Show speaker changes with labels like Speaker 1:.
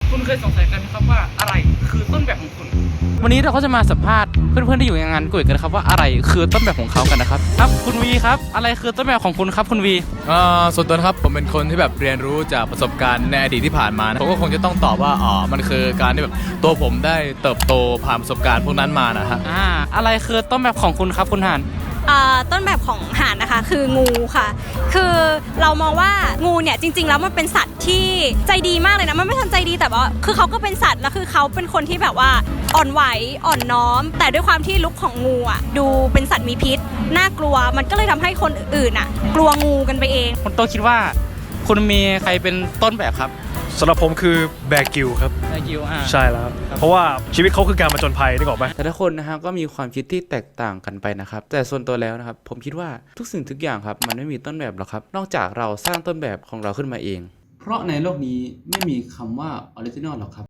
Speaker 1: คุณเคยสงสัยกันไหมครับว่าอะไรคือต้นแบบของคุณวันนี้เราก็จะมาสัมภาษณ์เพื่อนๆที่อยู่ในงานกุยกันนะครับว่าอะไรคือต้นแบบของเขากันนะครับครับคุณวีครับอะไรคือต้นแบบของคุณครับคุณวี
Speaker 2: ส่วนตัวนะครับผมเป็นคนที่แบบเรียนรู้จากประสบการณ์ในอดีตที่ผ่านมานะผมก็คงจะต้องตอบว่ามันคือการที่แบบตัวผมได้เติบโตผ่านประสบการณ์พวกนั้นมานะฮะ
Speaker 1: อะไรคือต้นแบบของคุณครับคุณหาน
Speaker 3: ต้นแบบของห่านนะคะคืองูค่ะคือเรามองว่างูเนี่ยจริงๆแล้วมันเป็นสัตว์ที่ใจดีมากเลยนะมันไม่ทันใจดีแต่ว่าคือเขาก็เป็นสัตว์แล้วคือเขาเป็นคนที่แบบว่าอ่อนไหวอ่อนน้อมแต่ด้วยความที่ลุคของงูอ่ะดูเป็นสัตว์มีพิษน่ากลัวมันก็เลยทำให้คนอื่นอ่ะกลัวงูกันไปเอง
Speaker 1: คุณโตคิดว่าคุณมีใครเป็นต้นแบบครับ
Speaker 4: สำหรับผมคือแบร์กิลครับ
Speaker 1: แบร์กิล
Speaker 4: ใช่แล้วครับเพราะว่าชีวิตเขาคือการผจญภัยนึกออกไหม
Speaker 1: แต่ละคนนะครับก็มีความคิดที่แตกต่างกันไปนะครับแต่ส่วนตัวแล้วนะครับผมคิดว่าทุกสิ่งทุกอย่างครับมันไม่มีต้นแบบหรอกครับนอกจากเราสร้างต้นแบบของเราขึ้นมาเองเพราะในโลกนี้ไม่มีคำว่าออริจินอลหรอกครับ